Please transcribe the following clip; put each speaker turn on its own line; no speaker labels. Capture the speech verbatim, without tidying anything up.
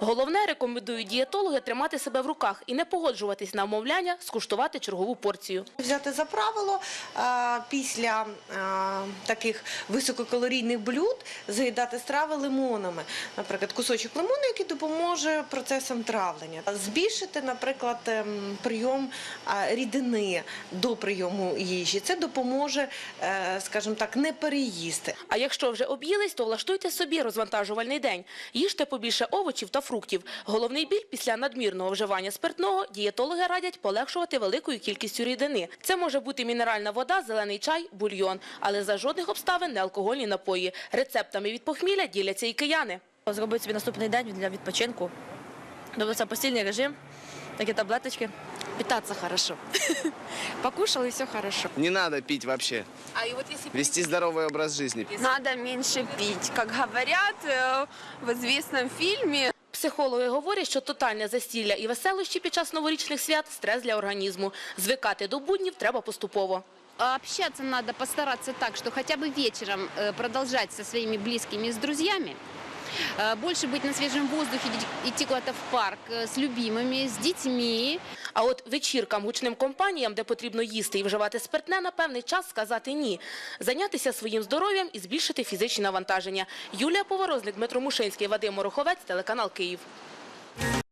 Головне, рекомендують дієтологи тримати себе в руках і не погоджуватись на вмовляння скуштувати чергову порцію.
Взяти за правило а, після а, таких висококалорійних блюд заїдати страви лимонами. Наприклад, кусочок лимону, який допоможе процесам травлення. Збільшити, наприклад, ем, прийом а, рідини до прийому їжі. Це допоможе, е, скажімо так, не переїсти.
А якщо вже об'їлись, то влаштуйте собі розвантажувальний день. Їжте побільше овочів та фруктів. Головний біль після надмірного вживання спиртного дієтологи радять полегшувати великою кількістю рідини. Це може бути мінеральна вода, зелений чай, бульйон, але за жодних обставин не алкогольні напої. Рецептами від похмілля діляться і кияни.
Зробити собі наступний день для відпочинку. Тобто це постільний режим, такі таблеточки.
Питаться хорошо. Покушал и все хорошо.
Не надо пить вообще.
А и вот если
Вести здоровый образ жизни.
надо меньше пить, как говорят э, в известном фильме.
Психологи говорять, що тотальне застілля і веселощі під час новорічних свят – стрес для організму. Звикати до буднів треба поступово.
Общаться надо постараться так, что хотя бы вечером э, продолжать со своими близкими, с друзьями. Э, Больше быть на свежем воздухе, иди- идти куда-то в парк э, с любимыми, с детьми.
А от вечіркам, гучним компаніям, де потрібно їсти і вживати спиртне, на певний час сказати «ні». Зайнятися своїм здоров'ям і збільшити фізичні навантаження. Юлія Поворозник, Дмитро Мушинський, Вадим Мороховець, телеканал «Київ».